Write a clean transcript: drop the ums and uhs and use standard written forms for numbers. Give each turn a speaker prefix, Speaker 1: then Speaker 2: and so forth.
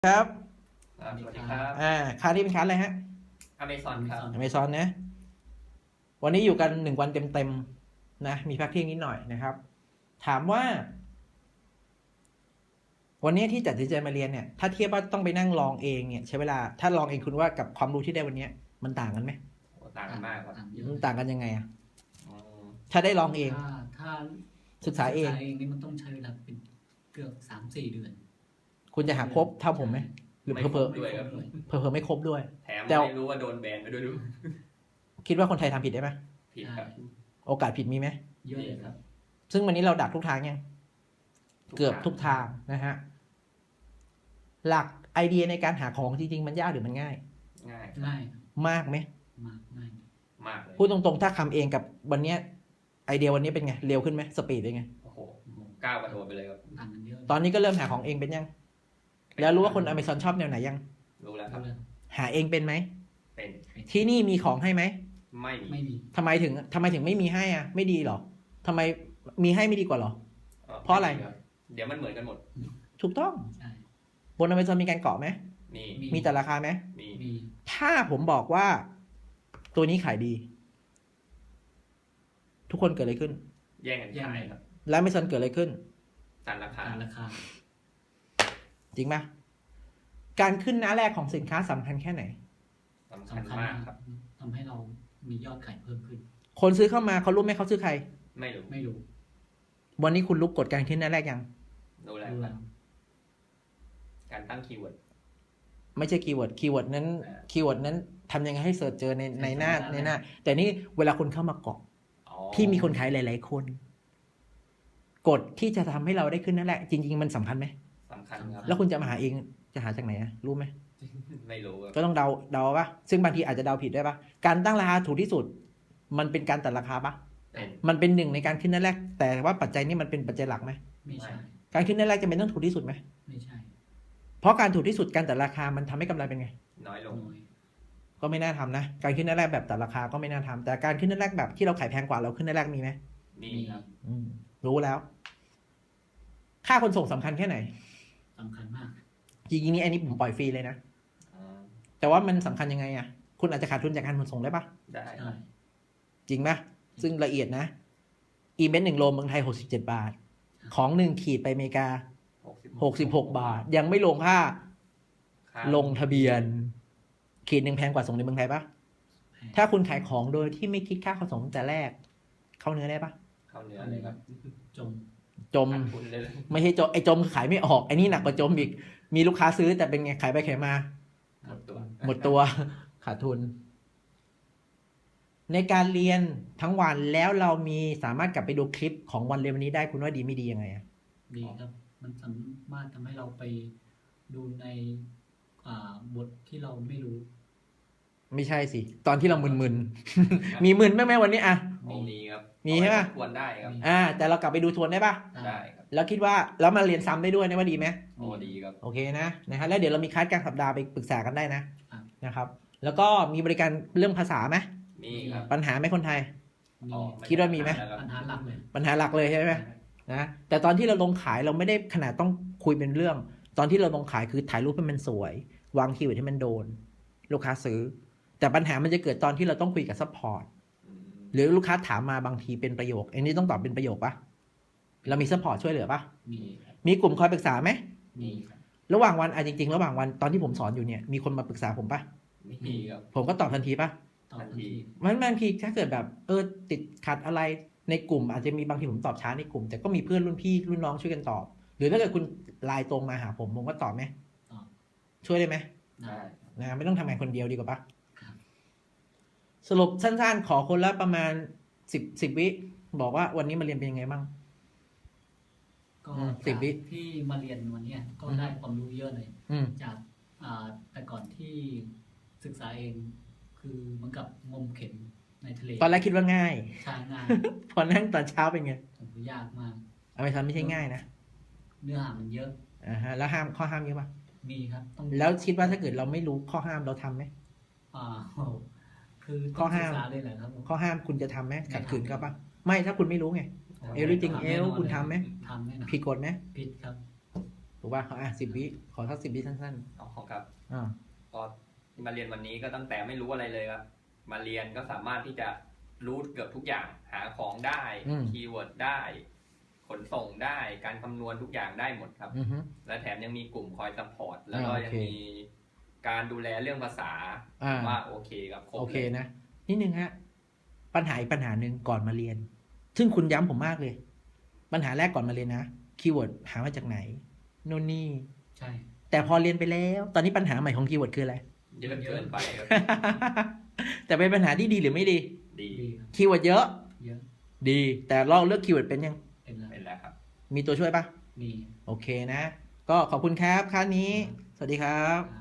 Speaker 1: ครับ
Speaker 2: สวัสดีครับ
Speaker 1: ค่าที่เป็นคัสอะไรฮะ
Speaker 2: Amazon ครับ
Speaker 1: Amazon นะวันนี้อยู่กัน1 วันเต็มๆนะมีพักเที่ยงนิดหน่อยนะครับถามว่าวันนี้ที่ตัดสินใจมาเรียนเนี่ยถ้าเทียบว่าต้องไปนั่งลองเองเนี่ยใช้เวลาถ้าลองเองคุณว่ากับความรู้ที่ได้วันนี้มันต่างกันไหม
Speaker 2: ต่างกันมากครับ
Speaker 1: มันต่างกันยังไงอะ
Speaker 2: อืม
Speaker 1: ถ้าได้ลองเอง
Speaker 3: ถ้า
Speaker 1: ศึกษาเอง
Speaker 3: นี่มันต้องใช้เวลาเป็นเกือบ3-4 เดือน
Speaker 1: คุณจะหาครบเท่าผมไหมหรือ
Speaker 2: ไม่
Speaker 1: เพ
Speaker 2: คร
Speaker 1: อบ
Speaker 2: ด้วยครับ
Speaker 1: เพอไม่ครบด้วย
Speaker 2: แถม
Speaker 1: แต่
Speaker 2: ไม่รู้ว่าโดนแบนไปด้วยดู
Speaker 1: คิดว่าคนไทยทำผิดได้ไหม
Speaker 2: ผิดครับ
Speaker 1: โอกาสผิดมีไหม
Speaker 3: เยอะเลยครับ
Speaker 1: ซึ่งวันนี้เราดักทุกทางยังเกือบทุกทางนะฮะหลักไอเดียในการหาของจริงๆมันยากหรือมันง่าย
Speaker 2: ง่าย
Speaker 3: ง่าย
Speaker 1: มากไหม
Speaker 3: ง่าย
Speaker 2: มากเลย
Speaker 1: พูดตรงๆถ้าทำเองกับวันเนี้ยไอเดียวันนี้เป็นไงเร็วขึ้นไหมสปีดเป็นไง
Speaker 2: โอ้โหก้าวกระโดดไปเลยครับ
Speaker 3: ต่างกันเยอะ
Speaker 1: ตอนนี้ก็เริ่มหาของเองเป็นยังแล้วรู้ว่าคนอเมซอนชอบแนวไหนยัง
Speaker 2: รู้แล้วครับ
Speaker 1: หาเองเป็นไหม
Speaker 2: เป็น
Speaker 1: ที่นี่มีของให้ไหม
Speaker 2: ไม่มี
Speaker 3: ไม่มี
Speaker 1: ทำไมถึงไม่มีให้อ่ะไม่ดีหรอทำไมมีให้ไม่ดีกว่าหรอ เพราะอะไร
Speaker 2: ม่มีคบเดี๋ยวมันเหมือนกันหมด
Speaker 1: ถูกต้อง
Speaker 3: ใช่
Speaker 1: บนอเมซอนมีการเกาะไหม
Speaker 2: มี
Speaker 1: มีแต่ราคาไหม
Speaker 2: มี
Speaker 3: มี
Speaker 1: ถ้าผมบอกว่าตัวนี้ขายดี ทุกคนเกิดอะไรขึ้น
Speaker 2: แย่งกันขายครับ
Speaker 1: แล้วอเมซอนเกิดอะไรขึ้น
Speaker 2: ตัดราคา
Speaker 3: ต่างราคา
Speaker 1: จริงปะการขึ้นหน้าแรกของสินค้าสำคัญแค่ไหน
Speaker 2: สำคัญ
Speaker 3: สำคัญ
Speaker 2: มากครับ
Speaker 3: ทำให้เรามียอดขายเพิ่มขึ้น
Speaker 1: คนซื้อเข้ามาเขารู้ไหมเขาซื้อใคร
Speaker 2: ไม่รู้
Speaker 3: ไม่รู้
Speaker 1: วันนี้คุณรู้กฎการขึ้นหน้าแรกยัง
Speaker 2: รู้แล้ว
Speaker 3: รู้
Speaker 2: ครั
Speaker 3: แล้
Speaker 2: บ
Speaker 3: ว
Speaker 2: การตั้งคีย์เวิร์ด
Speaker 1: ไม่ใช่คีย์เวิร์ดนั้น
Speaker 2: อ่า
Speaker 1: คีย์เวิร์ดนั้นทำยังไงให้เสิร์ชเจอในหน้า แต่นี่เวลาคนเข้ามาเกาะ
Speaker 2: อ๋อ
Speaker 1: ที่มีคนขายหลาย ๆ คน กฎที่จะทำให้เราได้ขึ้นนั่นแหละ จริง ๆ มันสำคัญไหม
Speaker 2: สำคัญครับ
Speaker 1: แล้วคุณจะมาหาเองจะหาจากไหนอะรู้ไหม
Speaker 2: ไม่รู้ครับ
Speaker 1: ก็ต้องเดาปะซึ่งบางทีอาจจะเดาผิดได้ปะการตั้งราคาถูกที่สุด มันเป็นการตัดราคาปะ
Speaker 2: เป็น
Speaker 1: มันเป็นหนึ่งในการขึ้นนั่นแรก แต่ว่าปัจจัยนี้มันเป็นปัจจัยหลักไหม
Speaker 3: ไม่ใช่
Speaker 1: การขึ้นนั่นแรกจะเป็นต้องถูกที่สุดไหม
Speaker 3: ไม่ใช่
Speaker 1: เพราะการถูกที่สุดการตัดราคามันทำให้กำไรเป็นไง
Speaker 2: น้อยลง
Speaker 3: น้อย
Speaker 1: ก็ไม่น่าทำนะ การขึ้นนั่นแรกแบบตัดราคาก็ไม่น่าทำแต่การขึ้นนั่นแรกแบบที่เราขายแพงกว่าเราขึ้นนั่นแรกมีไหม
Speaker 2: มีครับ
Speaker 1: รู้แล้ว ค่าขนส่งสำคัญแค่ไหน
Speaker 3: สำคัญมาก
Speaker 1: จริงๆนี่อันนี้ผมปล่อยฟรีเลยนะ
Speaker 2: อ่า
Speaker 1: แต่ว่ามันสำคัญยังไงอะคุณอาจจะขาดทุนจากการขนส่งได้ปะ
Speaker 2: ได้ค
Speaker 3: ใช่
Speaker 2: รับ
Speaker 1: จริงปะซึ่งละเอียดนะ อีเมนต์1 โลเมืองไทย67 บาท ของ1 ขีดไปอเมริกา66 บาท ยังไม่ลงค่า
Speaker 2: ค่า
Speaker 1: ลงทะเบียน ขีดหนึ่งแพงกว่าส่งในเมืองไทยปะ
Speaker 3: แพง
Speaker 1: ถ้าคุณขายของโดยที่ไม่คิดค่าขนส่งตั้งแต่แรก เข้าเนื้อได้ปะ
Speaker 2: เข้าเนื้อเลยครับ
Speaker 3: จม
Speaker 1: จม
Speaker 2: ขาดทุนเลย
Speaker 1: ไม่ใช่จมไอ้จมคือขายไม่ออกไอ้นี่หนักกว่าจมอีกมีลูกค้าซื้อแต่เป็นไงขายไปขายมา
Speaker 2: หมดตัว
Speaker 1: หมดตัว ขาดทุน ในการเรียนทั้งวันแล้วเรามีสามารถกลับไปดูคลิปของวันเรียนวันนี้ได้คุณว่าดีไม่ดียังไงอะ
Speaker 3: ดีครับ มันสามารถทำให้เราไปดูในบทที่เราไม่รู้
Speaker 1: ไม่ใช่สิ ตอนที่เรามึนๆ มีมึนไหมแม่วันนี้อะ
Speaker 2: มีครับ
Speaker 1: มีใช่ปะ
Speaker 2: ควรได้ครับ
Speaker 1: แต่เรากลับไปดูทวนได้ปะ
Speaker 2: ได้ครับ
Speaker 1: แล้วคิดว่าแล้วมาเรียนซ้ำได้ด้วยนะว่าดีไหม
Speaker 2: โอ้ดีครับ
Speaker 1: โอเคนะฮะแล้วเดี๋ยวเรามีคลาสกลางสัปดาห์ไปปรึกษากันได้นะครับ แล้วก็มีบริการเรื่องภาษาไหม
Speaker 2: มีครับ
Speaker 1: ปัญหาไหมคนไทย
Speaker 3: มี
Speaker 2: อ๋อ
Speaker 1: คิดว่ามีไหม
Speaker 3: ปัญหาหลักเลย
Speaker 1: ปัญหาหลักเลยใช่ไหมนะแต่ตอนที่เราลงขายเราไม่ได้ขนาดต้องคุยเป็นเรื่อง ตอนที่เราลงขายคือถ่ายรูปให้มันสวย วางคีย์เวิร์ดให้มันโดน ลูกค้าซื้อ แต่ปัญหามันจะเกิดตอนที่เราต้องคุยกับซัพพอร์ต
Speaker 2: อืม
Speaker 1: หรือลูกค้าถามมาบางทีเป็นประโยคอันนี้ต้องตอบเป็นประโยคปะเรามีซัพพอร์ตช่วยเหลือปะ
Speaker 3: มี
Speaker 1: มีกลุ่มคอยปรึกษาไหม
Speaker 3: มีครับ
Speaker 1: ระหว่างวันจริงๆ ระหว่างวันตอนที่ผมสอนอยู่เนี่ยมีคนมาปรึกษาผมปะ
Speaker 2: มีครับ
Speaker 1: ผมก็ตอบทันทีปะ
Speaker 3: ตอบทันที
Speaker 1: มันบางทีถ้าเกิดแบบติดขัดอะไรในกลุ่มอาจจะมีบางทีผมตอบช้าในกลุ่ม แต่ก็มีเพื่อนรุ่นพี่รุ่นน้องช่วยกันตอบ หรือถ้าเกิดคุณไลน์ตรงมาหาผมก็ตอบไหม
Speaker 3: ตอบ
Speaker 1: ช่วยได้ไหม
Speaker 3: ได้
Speaker 1: นะไม่ต้องทำงานคนเดียวดีกว่าปะ
Speaker 3: ครับ
Speaker 1: สรุปสั้นๆ ขอคนละประมาณ10 วิบอกว่าวันนี้มาเรียนเป็นยังไงบ้าง
Speaker 3: ก็
Speaker 1: 10 วิ
Speaker 3: ที่มาเรียนวันเนี้ยก็ได้ความรู้เยอะเลย
Speaker 1: อืม
Speaker 3: จากแต่ก่อนที่ศึกษาเองคือเหมือนกับงมเข็มในทะเล
Speaker 1: ตอนแรกคิดว่าง่าย
Speaker 3: ชายงาน
Speaker 1: พอนั่งตอนเช้าเป็นไง
Speaker 3: ผมยากมาก
Speaker 1: อเมซอนไม่ใช่ง่ายนะ
Speaker 3: เนื้อหามันเยอะ
Speaker 1: แล้วข้อห้ามเยอะปะ
Speaker 3: มีครับต้อง
Speaker 1: แล้วคิดว่าถ้าเกิดเราไม่รู้ข้อห้ามเราทำไหม
Speaker 3: อ่าโอ้โหคือ
Speaker 1: ข้อ
Speaker 3: ต้องศึ
Speaker 1: ห้าม
Speaker 3: กษาเลยแหละครับผม
Speaker 1: ข้อห้ามคุณจะทำไหม
Speaker 3: ไม่
Speaker 1: ขัดขืน
Speaker 3: ทำ
Speaker 1: ก็ปะไม่ถ้าคุณไม่รู้ไง everything
Speaker 3: ทำแน่น
Speaker 1: else
Speaker 3: น
Speaker 1: คุณทำไหม
Speaker 3: ทำแน่นอน
Speaker 1: ผิดกฎไหม
Speaker 3: ผิดครับ
Speaker 1: ถูกป่ะ10 วิขอสัก10 วิสั้น
Speaker 2: อ๋อครับ
Speaker 1: ๆอ่า
Speaker 2: ก็ที่มาเรียนวันนี้ก็ตั้งแต่ไม่รู้อะไรเลยครับ มาเรียนก็สามารถที่จะรู้เกือบทุกอย่าง หาของได้ คีย์เวิร์ดได้ ขนส่งได้ การคำนวณทุกอย่างได้หมดครับ
Speaker 1: อือฮึ
Speaker 2: และแถมยังมีกลุ่มคอยซัพพอร์ต แล้วก็
Speaker 1: โอเค
Speaker 2: ยังมีการดูแลเรื่องภาษา
Speaker 1: อ่า
Speaker 2: ว่าโอเคครับครบ
Speaker 1: โอเค
Speaker 2: เลย
Speaker 1: นะนิดนึงฮะปัญหาอีกปัญหาหนึ่งก่อนมาเรียน ซึ่งคุณย้ำผมมากเลย ปัญหาแรกก่อนมาเรียนนะคีย์เวิร์ดหามาจากไหนโน่นนี่
Speaker 3: ใช่
Speaker 1: แต่พอเรียนไปแล้ว ตอนนี้ปัญหาใหม่ของคีย์เวิร์ดคืออะไร
Speaker 2: เยอะเกินไปครับ
Speaker 1: แต่เป็นปัญหาที่ดีหรือไม่ดี
Speaker 2: ดี
Speaker 3: ดีครับ
Speaker 1: คีย์เวิร์ดเยอะ
Speaker 3: เยอะ
Speaker 1: ดี แต่เราเลือกคีย์เวิร์ดเป็นยัง
Speaker 3: เป็นแล้ว
Speaker 2: เป็นแล้วครับ
Speaker 1: มีตัวช่วยปะ
Speaker 3: มี
Speaker 1: โอเคนะ ก็ขอบคุณครับค่านี้ สวัสดีครับ
Speaker 3: ครับ